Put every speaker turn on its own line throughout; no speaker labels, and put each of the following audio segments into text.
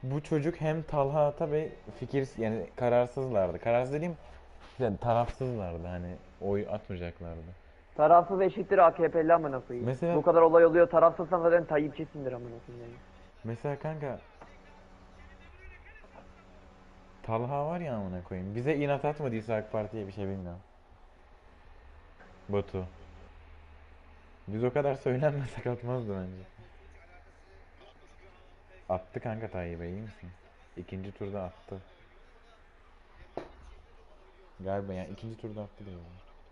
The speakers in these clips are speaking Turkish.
bu çocuk hem Talha Atabey fikir yani kararsızlardı. Kararsız dediğim yani tarafsızlardı hani oy atmayacaklardı.
Tarafsız eşittir AKP'li amına koyayım.
Mesela
Bu kadar olay oluyor, tarafsızsan zaten Tayyipçisindir amına koyayım yani.
mesela kanka Talha var ya amına koyayım. Bize inat atmadıysa AK Parti'ye bir şey bilmiyorum. Batu. Biz o kadar söylenmesek atmazdı bence. Attı kanka Tayyip'e iyi misin? İkinci turda attı. Galiba yani ikinci turda attı diyor.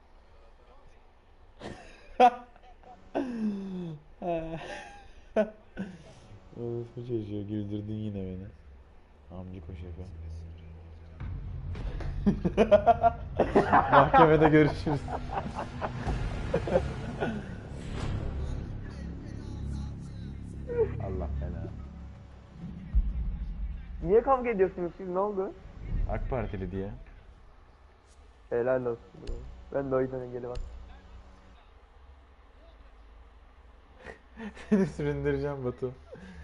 Orospu çocuğu güldürdün yine beni. Amcık o şefe. Mahkemede görüşürüz. Allah belanı.
Niye kavga ediyorsunuz siz, ne oldu?
AK Partili diye.
Helal olsun bro. Ben de o yüzden engeli var.
Seni süründüreceğim Batu.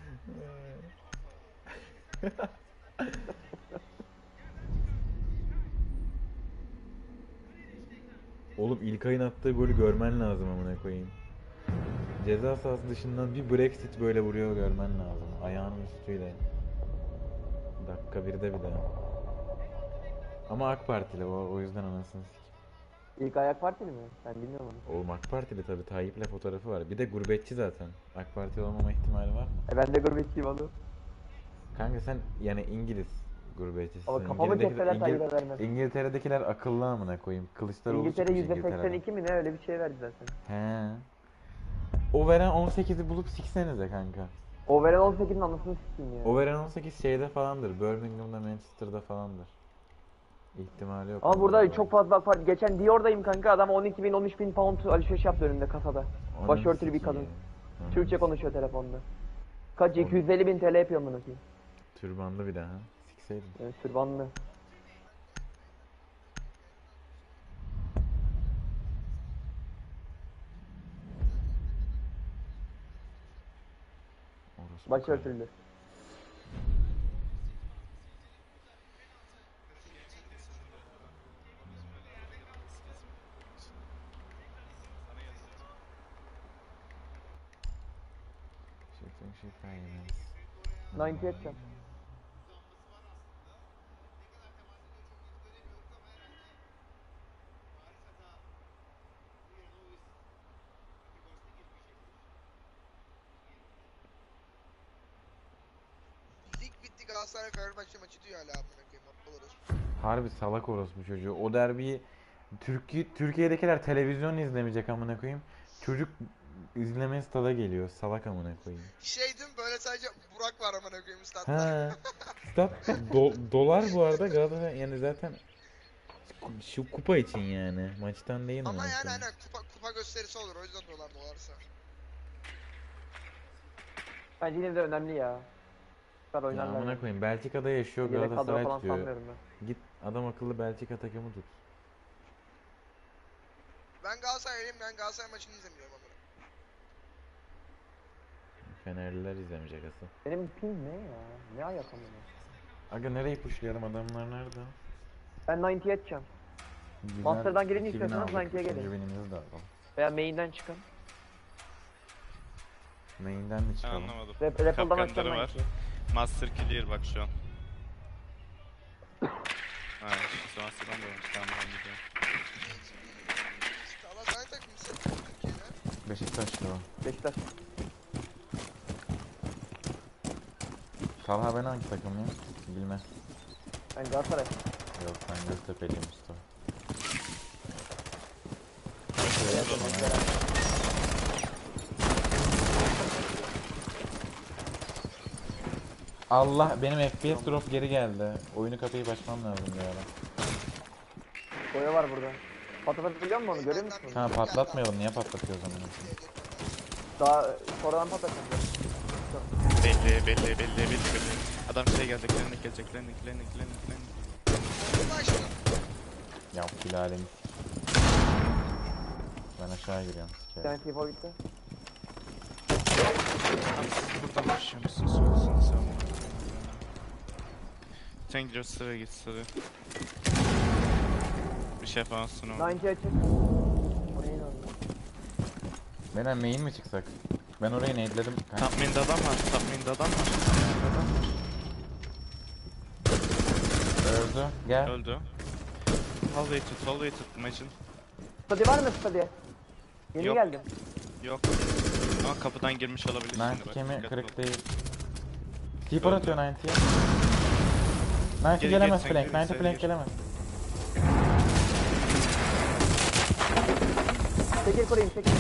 Oğlum İlkay'ın attığı golü görmen lazım amına koyayım. Ceza sahası dışından bir Brexit böyle vuruyor görmen lazım. Ayağının üstüyle. Dakika 1'de bir de. Ama AK Partili o yüzden anasını sik.
İlk ayak partili mi? Ben bilmiyorum onu.
Oğlum AK Partili tabi Tayyip'le fotoğrafı var. Bir de gurbetçi zaten. AK Partili olmama ihtimali var mı?
Ben de gurbetçiyim oğlum.
Kanka sen yani İngiliz
Ama
gurbetçisin.
kafamı kesseler Tayyip'e vermem.
İngiltere'dekiler akıllı amına koyayım. Kılıçdaroğlu
İngiltere
çıkmış İngiltere'den.
%82 mi ne, öyle bir şey verdi zaten.
He. O veren 18'i bulup siksenize kanka.
O veren 18'in anasını sikeyim ya.
O veren 18 şeyde falandır. Birmingham'da, Manchester'da falandır. İhtimali yok.
Ama burada çok fazla AK Parti. Geçen Dior'dayım kanka, adam 12 bin 13 bin pound alışveriş yaptı önümde kasada.
Ananı
Başörtülü bir
sikeyim.
kadın.
Ananı
Türkçe
sikeyim.
konuşuyor telefonda. Kaç 250 bin TL yapıyor bunu ki.
Türbanlı bir daha. Sikseydin.
Yani sürbanlı.
Orospu karı.
Başörtülü.
Şey finance.
90 edeceğim.
Lig bitti, Galatasaray Fenerbahçe maçı diyor hala amına koyayım. Oluruz.
Harbi salak orospu çocuğu. O derbiyi Türkiye'dekiler televizyon izlemeyecek amına koyayım. Çocuk izlemeye stada geliyor. Salak amına koyayım.
Şey değil mi, böyle sadece Burak var amına koyayım statta.
Ha. Stat dolar bu arada Galatasaray yani zaten şu kupa için yani. Maçtan değil
Ama
amına
yani
koyayım.
hani kupa gösterisi olur, o yüzden dolarsa.
Bence yine de önemli ya. Kadar
Ya
oynarlar
amına
yani.
koyayım. Belçika'da yaşıyor
Yedek kadro
Galatasaray
falan
tutuyor.
sanmıyorum ben.
Git adam akıllı Belçika takımı tut.
Ben Galatasaraylıyım, ben Galatasaray maçını izlemiyorum amına.
Fenerliler izlemeyecek asıl.
Benim ping ne ya? Ne ayak amına?
Aga nereye pushlayalım adamlar nerede?
Ben 90 edeceğim.
Güzel,
Master'dan girince
2000
istiyorsanız
aldık.
90'ya gelin.
Üçüncü binimizi de alalım.
Veya main'den çıkın.
Main'den mi
Ben
çıkalım?
anlamadım.
Rapple'dan açacağım
Kapkanları var.
90'yı.
Master clear bak şu an. Ha, işte Master'dan da olmuş. Tamam ben gidiyorum.
Galatasaray takımısı Türkiye'de.
Beşiktaş'ta o.
Beşiktaş.
Talha ben hangi takımlıyım? Bilmez.
Ben Galatasaray.
Yok ben Göztepe'liyim usta. Allah benim FPS drop geri geldi. Oyunu kapayıp açmam lazım bir ara.
Boya var burada. Patlatabiliyor musun onu? Görüyor musun?
Ha patlatmayalım niye patlatıyoruz onu?
Daha sonradan patlatacağım.
Belli. Adam şey gelecek, klinik.
Bunu açtım.
Ya Hilal'im. Ben aşağı giriyorum
Bir
sikerim.
tane tipo gitti.
Buradan başlıyormuşsun, söylesin sen. Sen gidiyor sıraya git sıraya. Bir şey falan sun oğlum.
90 açık. Oraya inandım.
Beyler main mi çıksak? Ben orayı nade'ledim. kanka.
Top main'de adam var. Top main'de adam var.
Öldü. Gel.
Öldü. Hallway tut, hallway tut. Imagine.
Stadi var mı stadi? Yeni
Yok.
geldim.
Yok. Ama kapıdan girmiş olabilir şimdi
Nancy
bak.
kemi
dikkatli
kırık
ol.
değil. Keeper atıyor 90'ya. Nancy
Geri,
gelemez
geri,
flank.
geri,
90
geri,
flank
geri.
gelemez.
Tekir kurayım tekir.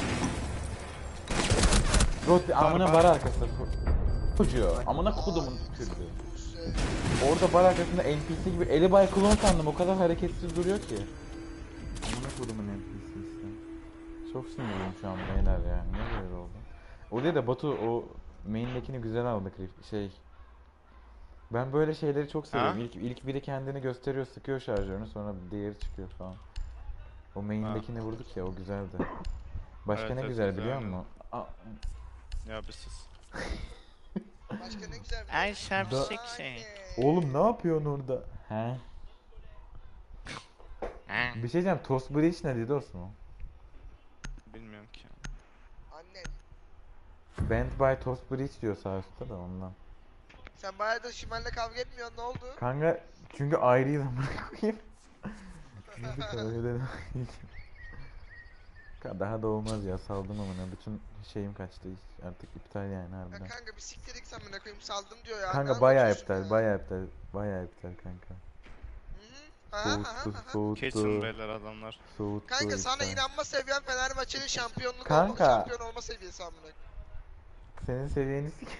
Rot amına
bar.
bar arkası. Çocuğu. Amına kodumun çocuğu. Orada bar arkasında NPC gibi eli bay klon sandım. O kadar hareketsiz duruyor ki. Amına kodumun NPC'si. Çok sinirliyim şu an beyler ya. Niye böyle oldu? O değil de Batu o main'dekini güzel aldı şey. Ben böyle şeyleri çok seviyorum.
Ha?
İlk biri kendini gösteriyor, sıkıyor şarjörünü, sonra diğeri çıkıyor falan. O main'dekini vurduk ya, o güzeldi. Başka
Evet,
ne
evet,
güzel
güzel,
biliyor
aynen.
musun?
Ya bir sus.
Başka ne güzel bir
Ay
şey.
şapşik
Anne.
şey.
Oğlum ne yapıyorsun orada? He? Bir şey diyeceğim, Toast Bridge ne dedi Osman?
Bilmiyorum ki.
Annen.
Band by Toast Bridge diyor sağ üstte de ondan.
Sen bayağıdır Şimal'le kavga etmiyorsun, ne oldu?
Kanka çünkü ayrıyız amına koyayım. Çünkü öyle daha da olmaz ya, saldım amına, bütün şeyim kaçtı, artık iptal yani
Ya
harbiden.
kanka bir siktir git sen bana koyayım, saldım diyor ya.
Kanka
Ne
bayağı
anlatıyorsun
iptal,
ya?
bayağı iptal kanka.
Hı hı. Aha, aha, aha.
Kesin
Soğuttu,
beyler adamlar.
soğuttu
Kanka sana
iptal.
inanma seviyen Fenerbahçe'nin
Kanka.
şampiyon olma seviyesi amına.
Senin seviyeni sik.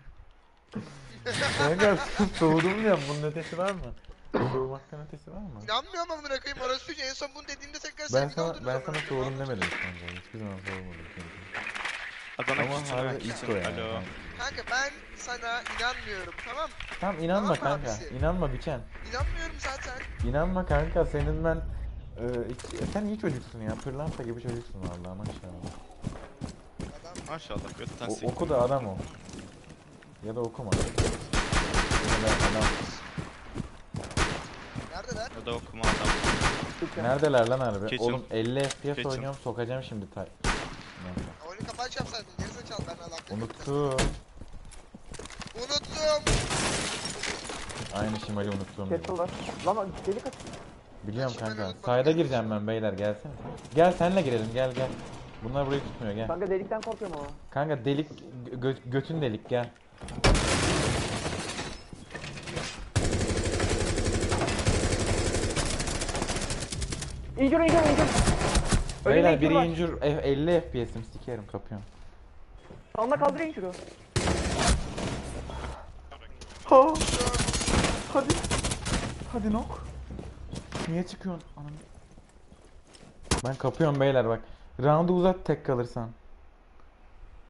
Kanka soğudum diyorum, bunun ötesi var mı? Soğumaktan ötesi var mı?
İnanmıyorum amına koyayım, orası en son bunu dediğimde tekrar
Ben
sevgili
sana
oldunuz
ben
amına
sana
koyayım.
soğudum demedim kanka, hiçbir zaman soğumadım kanka.
Adana
Ama
küçüğüne
harbi
küçüğüne.
ilk o yani.
Alo.
Kanka ben sana inanmıyorum, tamam?
Tamam inanma
Tamam
kanka,
abisi.
inanma biçen.
İnanmıyorum zaten.
İnanma kanka, senin ben sen iyi çocuksun ya, pırlanta gibi çocuksun vallahi maşallah.
Adam
Maşallah götten sik.
Oku da adam ol. Ya da okuma. Ya da adam.
neredeler?
Ya da okuma adam.
Neredeler lan harbi?
Keçim.
Oğlum 50 FPS
Keçim.
oynuyorum, sokacağım şimdi Neyse.
Oyunu kapaç yapsaydın, gerizekalı ben alakalı.
Unuttum.
Unuttum.
Aynı şimali unuttum.
Kettle var. Lan delik aç.
Biliyorum
Ben şimali
kanka.
unutmadım,
Sayda
gel.
gireceğim ben beyler, gelsene. Gel senle girelim, gel. Bunlar burayı tutmuyor, gel.
Kanka delikten korkuyorum ama.
Kanka delik götün delik, gel.
İncir.
Beyler biri
var.
incir 50 FPS'im, sikerim, kapıyorum.
Sağında kaldır inciri.
Ha. Hadi. Hadi nok. Niye çıkıyorsun? Anam. Ben kapıyorum beyler bak. Round'u uzat tek kalırsan.